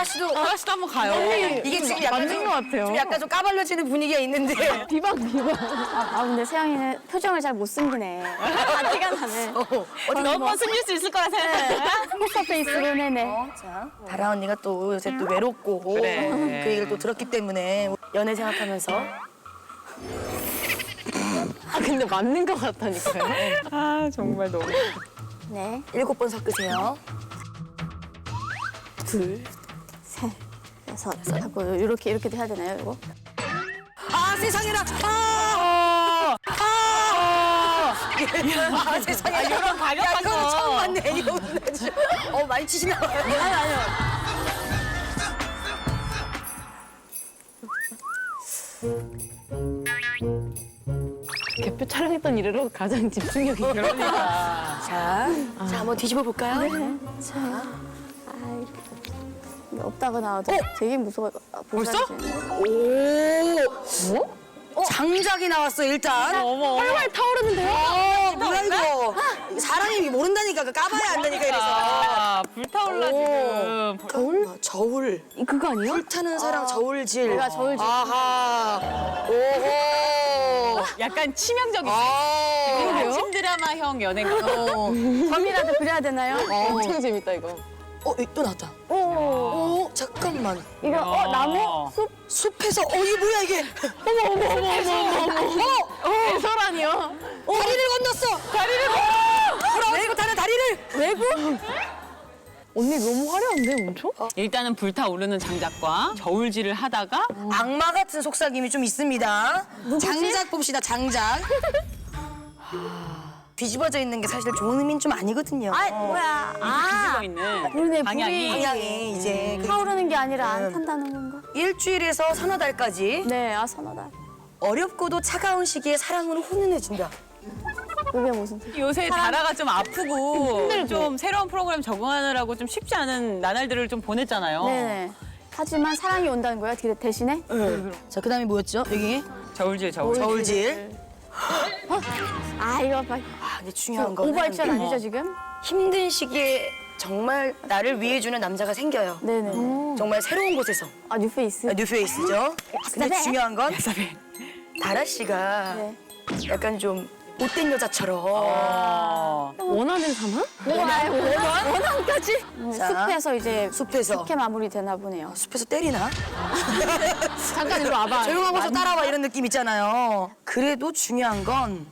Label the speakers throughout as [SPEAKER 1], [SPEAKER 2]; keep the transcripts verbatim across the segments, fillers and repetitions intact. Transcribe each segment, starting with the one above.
[SPEAKER 1] 씨도
[SPEAKER 2] 다라 씨도 한번 가요.
[SPEAKER 1] 이게 지금 약간
[SPEAKER 3] 맞는
[SPEAKER 1] 좀,
[SPEAKER 3] 것 같아요.
[SPEAKER 1] 좀 약간 좀 까발려지는 분위기가 있는데.
[SPEAKER 3] 비방 비방. 아 근데 세영이는 표정을 잘 못 숨기네. 다 티가 나네.
[SPEAKER 1] 어, 어디
[SPEAKER 2] 너 한번 숨길 수 있을 거라 생각해.
[SPEAKER 3] 포커 페이스로 내네.
[SPEAKER 1] 자, 다라 언니가 또 요새 또 외롭고
[SPEAKER 2] 그래.
[SPEAKER 1] 그 얘기를 또 들었기 때문에 연애 생각하면서
[SPEAKER 3] 아 근데 맞는 것 같다니까요.
[SPEAKER 2] 아 정말 너무.
[SPEAKER 3] 네,
[SPEAKER 1] 일곱 번 섞으세요.
[SPEAKER 3] 둘, 셋, 여섯 하고 이렇게 이렇게도 해야 되나요, 이거?
[SPEAKER 1] 아 세상에나 아! 아! 아 세상에 아,
[SPEAKER 2] 이런 과격한
[SPEAKER 1] 야, 이거는
[SPEAKER 2] 거.
[SPEAKER 1] 처음 봤네 이거 어 많이 치시나 봐요. 아니 아니요.
[SPEAKER 3] 개표 촬영했던 이래로 가장 집중력이
[SPEAKER 2] 그러니까.
[SPEAKER 1] 자, 자 한번 뒤집어 볼까요?
[SPEAKER 3] 자, 아이, 이게 없다가 나와도 되게 무서워. 아,
[SPEAKER 2] 벌써?
[SPEAKER 1] 오! 어? 장작이 나왔어 일단.
[SPEAKER 2] 어머.
[SPEAKER 3] 활활 타오르는데요?
[SPEAKER 1] 어, 뭐야 이거? 사람이 모른다니까 그 까봐야 안다니까 이래서.
[SPEAKER 2] 아, 불타올라 지금.
[SPEAKER 1] 저울? 저울.
[SPEAKER 3] 이 그거 아니에요?
[SPEAKER 1] 불타는 사랑 저울질.
[SPEAKER 3] 내가 저울질.
[SPEAKER 1] 아하. 오호.
[SPEAKER 2] 약간 치명적이지.
[SPEAKER 1] 아.
[SPEAKER 2] 그러게요. 신 드라마형 연예가.
[SPEAKER 1] 어.
[SPEAKER 3] 밤이라도 그려야 되나요? 엄청 재밌다 이거.
[SPEAKER 1] 어, 이- 또 나왔다.
[SPEAKER 3] 오,
[SPEAKER 1] 오, 잠깐만.
[SPEAKER 3] 이거 어 나무? 숲?
[SPEAKER 1] 숲에서 어 이게 뭐야 이게?
[SPEAKER 3] 어머 어머 어머 어머 어머 어머. 해설아니요?
[SPEAKER 1] 다리를 건넜어. 다리를 건넜어. 외국 타는 다리를.
[SPEAKER 3] 외국? 언니 너무 화려한데 엄청?
[SPEAKER 2] 일단은 불타오르는 장작과 저울질을 하다가
[SPEAKER 1] 악마 같은 속삭임이 좀 있습니다. 장작 봅시다, 장작. 뒤집어져 있는 게 사실 좋은 의미는 좀 아니거든요.
[SPEAKER 3] 아 뭐야?
[SPEAKER 2] 뒤집어
[SPEAKER 3] 아
[SPEAKER 2] 있는
[SPEAKER 3] 그러네,
[SPEAKER 2] 방향이.
[SPEAKER 3] 불이.
[SPEAKER 1] 방향이 이제 그
[SPEAKER 3] 타오르는 게 아니라 안 탄다는 건가?
[SPEAKER 1] 일주일에서 서너 달까지
[SPEAKER 3] 네, 아 선하다.
[SPEAKER 1] 어렵고도 차가운 시기에 사랑으로 훈훈해진다.
[SPEAKER 3] 그게 무슨 뜻?
[SPEAKER 2] 요새 다라가 좀 아프고 좀 새로운 프로그램 적응하느라고 좀 쉽지 않은 나날들을 좀 보냈잖아요.
[SPEAKER 3] 네네. 하지만 사랑이 온다는 거예요, 대- 대신에?
[SPEAKER 1] 자, 그다음에 뭐였죠? 여기
[SPEAKER 2] 저울질 저울.
[SPEAKER 1] 저울질.
[SPEAKER 3] 아 이거 봐.
[SPEAKER 1] 아, 근데 중요한 건
[SPEAKER 3] 오버액션 아니죠 지금?
[SPEAKER 1] 힘든 시기에 정말 나를 위해주는 남자가 생겨요.
[SPEAKER 3] 네네.
[SPEAKER 1] 정말 새로운 곳에서.
[SPEAKER 3] 아 뉴페이스.
[SPEAKER 1] 아, 뉴페이스죠. 근데
[SPEAKER 3] 야사배.
[SPEAKER 1] 중요한 건 다라 씨가
[SPEAKER 3] 네.
[SPEAKER 1] 약간 좀 못된 여자처럼
[SPEAKER 2] 어.
[SPEAKER 3] 원하는 사람? 원한? 원한? 원한까지?
[SPEAKER 1] 자.
[SPEAKER 3] 숲에서 이제
[SPEAKER 1] 숲에서
[SPEAKER 3] 이렇게 마무리 되나 보네요.
[SPEAKER 1] 숲에서 때리나?
[SPEAKER 3] 잠깐 이리 와봐.
[SPEAKER 1] 조용한 곳으로 따라와 이런 느낌 있잖아요. 그래도 중요한 건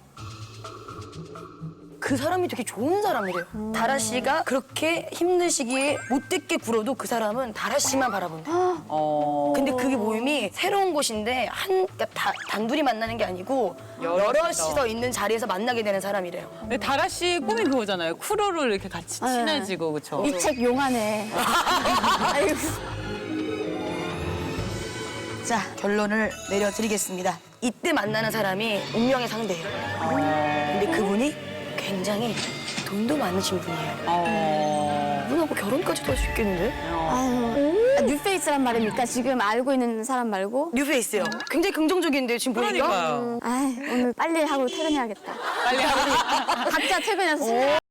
[SPEAKER 1] 그 사람이 되게 좋은 사람이래요. 다라 씨가 그렇게 힘든 시기에 못됐게 굴어도 그 사람은 다라 씨만 바라본다.
[SPEAKER 2] 어.
[SPEAKER 1] 근데 그게 모임이 새로운 곳인데 한 그러니까 다, 단둘이 만나는 게 아니고
[SPEAKER 2] 여럿이서.
[SPEAKER 1] 여럿이서 있는 자리에서 만나게 되는 사람이래요.
[SPEAKER 2] 근데 다라 씨 꿈이 그거잖아요. 크루를 이렇게 같이
[SPEAKER 3] 네.
[SPEAKER 2] 친해지고 그렇죠.
[SPEAKER 3] 이 책 용하네. 아이고.
[SPEAKER 1] 자, 결론을 내려드리겠습니다. 이때 만나는 사람이 운명의 상대예요. 근데 그분이 굉장히 돈도 많으신 분이에요.
[SPEAKER 2] 어.
[SPEAKER 1] 그분하고 결혼까지도 할 수 있겠는데?
[SPEAKER 3] 아유. 아, 뉴페이스란 말입니까? 지금 알고 있는 사람 말고?
[SPEAKER 1] 뉴페이스요. 굉장히 긍정적인데요, 지금 보니까?
[SPEAKER 2] 그러니까요.
[SPEAKER 3] 아 오늘 빨리 하고 퇴근해야겠다.
[SPEAKER 2] 빨리 하고.
[SPEAKER 3] 각자 퇴근해서